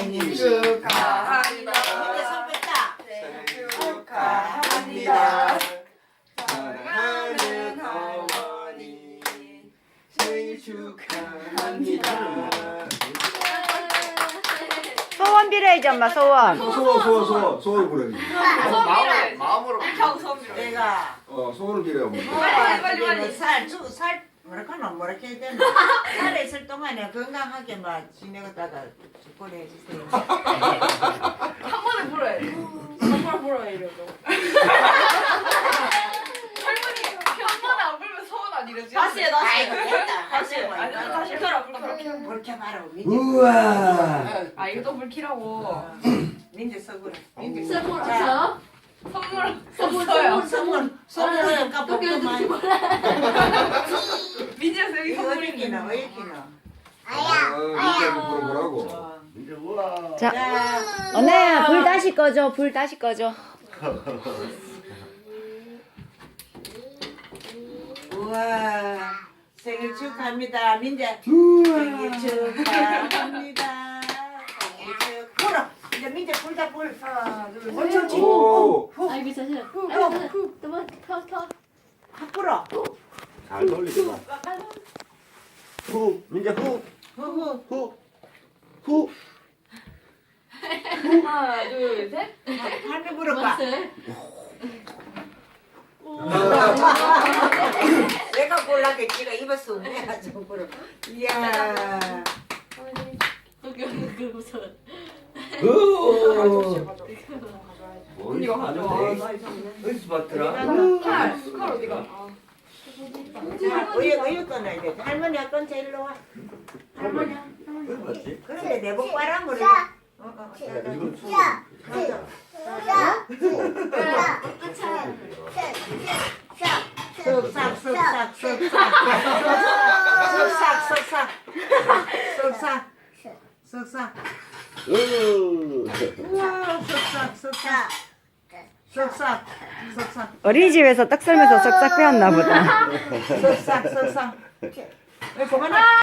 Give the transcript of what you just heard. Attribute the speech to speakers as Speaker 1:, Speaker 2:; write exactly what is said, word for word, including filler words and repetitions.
Speaker 1: 생일 축하합니다.
Speaker 2: 이제 손 뺐다.
Speaker 1: 생일 축하합니다. 사랑하는 어머니 생일 축하합니다.
Speaker 3: 소원 빌어야지 엄마 소원.
Speaker 1: 소원 소원 소원 소원 부르기.
Speaker 4: 마음으로 마음으로
Speaker 2: 형 손으로. 내가
Speaker 1: 어 소원을 빌어요. 뭐.
Speaker 2: 빨리 빨리 빨리 살살 뭐랄까나 뭐랄까 해야 되나 살에 있을 동안에 건강하게 막 지내다가 축복을 해주세요.
Speaker 4: 한 번에 불어야 돼. 정말 불어야 이러고. 할머니 한 번에 안 불면 서운 안 이러지?
Speaker 2: 다시 해 다시 해. 됐다. 다시 해.
Speaker 4: 아니 다시 해라 불
Speaker 2: 그렇게 말하고 민재.
Speaker 1: 우와.
Speaker 4: 아 이거 또 불키라고.
Speaker 2: 민재 서구라. 민재
Speaker 5: 선물
Speaker 2: 자,
Speaker 5: 없어?
Speaker 4: 선물
Speaker 5: 선물
Speaker 4: 없어요.
Speaker 2: 선물 선물 아까 복도만.
Speaker 4: 민지야 여기
Speaker 2: 이거
Speaker 4: 선물
Speaker 2: 어디기나
Speaker 4: 있는
Speaker 2: 어디기나.
Speaker 1: 아, 민재 물어보라고. 민재 우와.
Speaker 3: 자,
Speaker 2: 자,
Speaker 3: 언니야 불 다시 꺼줘. 불 다시 꺼줘.
Speaker 2: 우와 생일 축하합니다 민재. 생일 축하합니다. 생일 축. 불어. 이제 민재 불다 불. 하나 둘 셋.
Speaker 1: 오.
Speaker 5: 아이고 자신. 아이고 자신. 또뭐 터 터.
Speaker 2: 확 불어.
Speaker 1: 잘 돌리지. 후 민재 후.
Speaker 2: 후후.
Speaker 1: 후. 후.
Speaker 4: 하나 둘 셋.
Speaker 2: 할매 불어봐.
Speaker 5: 맞세.
Speaker 2: 내가 골라게 지가 입었어. 내가 좀 불어. 이야.
Speaker 5: 여기 여기 그 무서워.
Speaker 4: 이거 가져와.
Speaker 1: 어디서 봤더라?
Speaker 4: 칼, 칼 어디가?
Speaker 2: 자, 우유 우유 꺼내야 돼. 할머니 어떤 제일 와. 할머니.
Speaker 1: 어디 봤지?
Speaker 2: 그런데 내복 빨아 버려. 어, 어,
Speaker 1: 이거
Speaker 2: 자, 맞아. 쓱싹 쓱싹 쓱싹 쓱싹 쓱싹 쓱싹 우와 쓱싹 쓱싹 쓱싹 쓱싹
Speaker 3: 어린이집에서 떡 썰면서 쓱싹 배웠나 보다.
Speaker 2: 쓱싹 쓱싹 그만해.